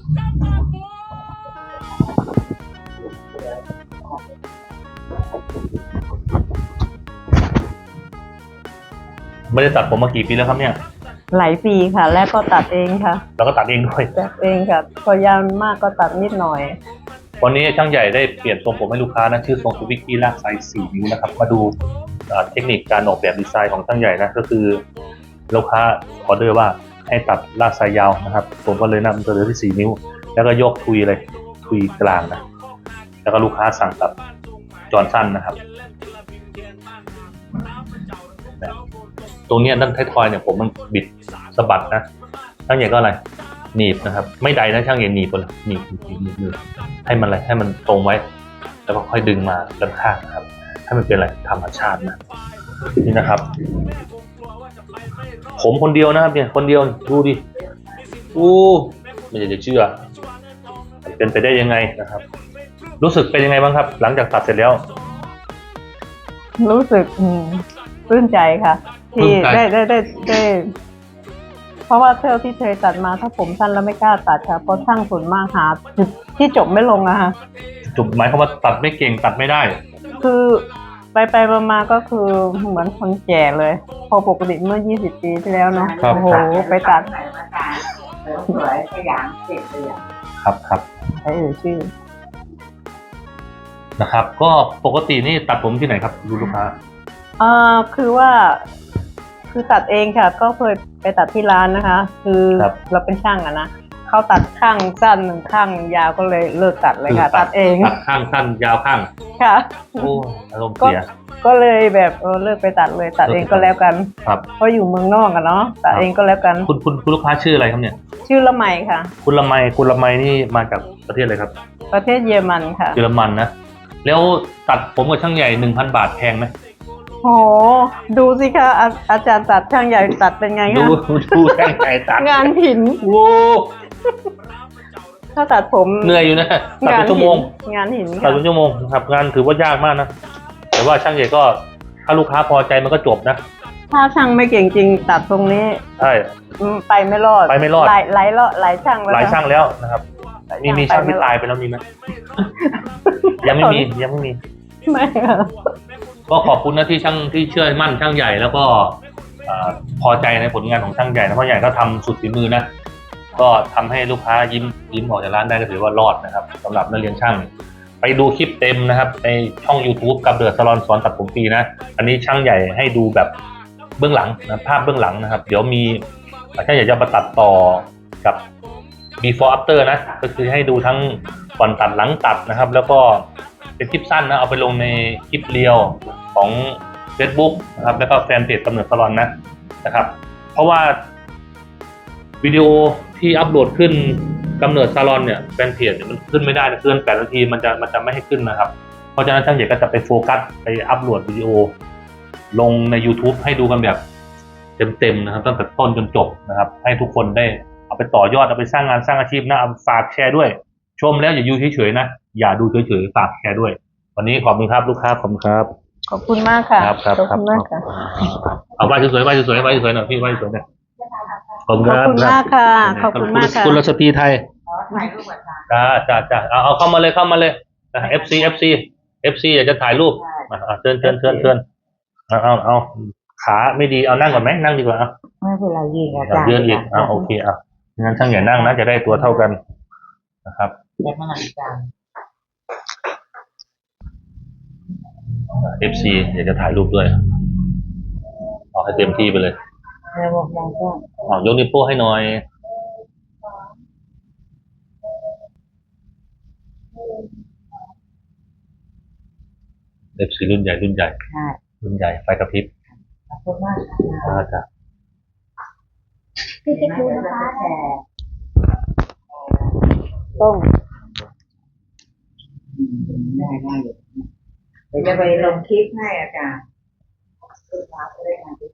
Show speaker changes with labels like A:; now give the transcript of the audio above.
A: ไม่ได้ตัดผมมากี่ปีแล้วครับเนี่ย
B: หลายปีค่ะ แล้วก็ตัดเองค่ะ
A: แล้วก็ตัดเองด้วย
B: ตัดเองค่ะพอยาวมากก็ตัดนิดหน่อย
A: วันนี้ช่างใหญ่ได้เปลี่ยนทรงผมให้ลูกค้านะชื่อทรงซูบิกี้ลากไซส์4 นิ้วนะครับมาดูเทคนิคการออกแบบดีไซน์ของช่างใหญ่นะก็คือลูกค้าออเดอร์ว่าให้ตัดลากไซส์ยาวนะครับผมก็เลยนำเสนอที่4 นิ้วแล้วก็ยกทุยเลยทุยกลางนะแล้วก็ลูกค้าสั่งตัดจอนสั้นนะครับตรงนี้ด้านท้ายทอยเนี่ยผมมันบิดสะบัดนะช่างใหญ่ก็อะไรหนีบนะครับไม่ใดนะช่างใหญ่หนีบเลยหนีบให้มันอะไรให้มันตรงไว้แล้วก็ค่อยดึงมาด้านข้างนะครับให้มันเป็นอะไรธรรมชาตินะนี่นะครับผมคนเดียวนะครับเนี่ยคนเดียวดูดิไม่อยากจะเชื่อเป็นไปได้ยังไงนะครับรู้สึกเป็นยังไงบ้างครับหลังจากตัดเสร็จแล้ว
B: รู้สึกปลื้มใจค่ะที่ได้เพราะว่าเท่าที่เคยตัดมาถ้าผมสั้นแล้วไม่กล้าตัดค่ะเพราะช่างส่วนมากหาที่จบไม่ลงอะค่ะ
A: จบหมายความว่าตัดไม่เก่งตัดไม่ได้
B: คือไปมาก็คือเหมือนคนแก่เลยพอปกติเมื่อ20 ปีที่แล้วเนาะโอ้โหไปตัด
C: สวยขยันเสร็จเลย
A: ครับ
B: ใช่ชื่อ
A: นะครับก็ปกตินี่ตัดผมที่ไหนครับลูกค้า
B: คือว่าคือตัดเองค่ะก็เคยไปตัดที่ร้านนะคะคือเราเป็นช่างอะนะเขาตัดข้างสั้นข้างยาวก็เลยเลิกตัดเลยค่ะตัดเอง
A: ตัดข้างสั้นยาวข้าง
B: ค่ะ
A: โอ้อารมณ์เสีย
B: ก็เลยแบบเลิกไปตัดเลยตัดเองก็แล้วกัน
A: ครับ
B: เพราะอยู่เมืองนอกกันเนาะตัดเองก็แล้วกัน
A: คุณลูกค้าชื่ออะไรครับเนี่ย
B: ชื่อละไมค่ะ
A: คุณละไมนี่มาจากประเทศอะไรครับ
B: ประเทศเยอรมันค่ะ
A: เยอรมันนะแล้วตัดผมกับช่างใหญ่ 1,000 บาทแพงไหม
B: โหดูสิคะอาจารย์ตัดช่างใหญ่ตัดเป็นไงคะ
A: ดูช่างใหญ่ตัด
B: งานหิน
A: โว้
B: ถ้าตัดผม
A: เหนื่อยอยู่นะตัดเป็นชั่วโมง
B: งานหิน
A: ตัดเป็นชั่วโมงครับงานถือว่ายากมากนะแต่ว่าช่างใหญ่ก็ถ้าลูกค้าพอใจมันก็จบนะ
B: ถ้าช่างไม่เก่งจริงตัดตรงนี้
A: ใช่
B: ไปไม่รอดหลายช่าง
A: แล้วนะครับมีช่างที่ตายไปแล้วมีไหมยังไม่มี
B: ไม่ค่ะ
A: ก็ขอบคุณนะที่ช่างที่เชื่อมั่นช่างใหญ่แล้วก็พอใจในผลงานของช่างใหญ่นะเพราะใหญ่ก็ทำสุดฝีมือนะก็ทำให้ลูกค้ายิ้มออกจากร้านได้ก็ถือว่ารอดนะครับสำหรับนักเรียนช่างไปดูคลิปเต็มนะครับในช่อง YouTube กับเดือดซาลอนสอนตัดผมฟรีนะอันนี้ช่างใหญ่ให้ดูแบบเบื้องหลังนะภาพเบื้องหลังนะครับเดี๋ยวมีช่างใหญ่จะมาตัดต่อกับ before after นะก็คือให้ดูทั้งก่อนตัดหลังตัดนะครับแล้วก็เป็นคลิปสั้นนะเอาไปลงในคลิปเรียวของ Facebook นะครับแล้วก็แฟนเพจกำเนิดซาลอนนะครับเพราะว่าวิดีโอที่อัปโหลดขึ้นกำเนิดซาลอนเนี่ยแฟนเพจมันขึ้นไม่ได้เกิน8 นาทีมันจะไม่ให้ขึ้นนะครับเพราะฉะนั้นช่างใหญ่ก็จะไปโฟกัสไปอัปโหลดวิดีโอลงใน YouTube ให้ดูกันแบบเต็มนะครับตั้งแต่ต้นจนจบนะครับให้ทุกคนได้เอาไปต่อยอดเอาไปสร้างงานสร้างอาชีพนะฝากแชร์ด้วยชมแล้วอย่าอยู่เฉยๆนะอย่าดูเฉยๆฝากแชร์ด้วยวันนี้ขอบคุณครับลูกค้าขอบคุณครับ
B: ขอบคุณมากค่ะ
A: ขอบคุณมากค่ะเอาไหว้สวยๆหน่อยพี่ไหว้สวยๆหน่อยขอบคุณ
B: มากค่ะขอบคุณมากค่ะ
A: คุณรัชพีไทยจ้าเอาเข้ามาเลยFC อยากจะถ่ายรูปเชิญเอาขาไม่ดีเอานั่งก่อนไหมนั่งดีกว่า
C: ไม่เป็นไรยืนอาจารย์
A: ยืนอีกโอเคงั้นช่างใหญ่นั่งนะจะได้ตัวเท่ากันนะครับ
C: แล้วมาหลังจาน
A: FC อยากจะถ่ายรูปด้วยเอาให้เต็มที่ไปเลยยกนิ้วโป้ให้หน่อยFC รุ่นใหญ่ไฟกระพริบ
C: ขอบคุณมาก
A: จ้ะ
C: พี่ดูนะคะ
B: ต้อง
C: ได้เดี๋ยวจะไปลงคลิปให้อาจารย์ลูกค้าจะได้มาดู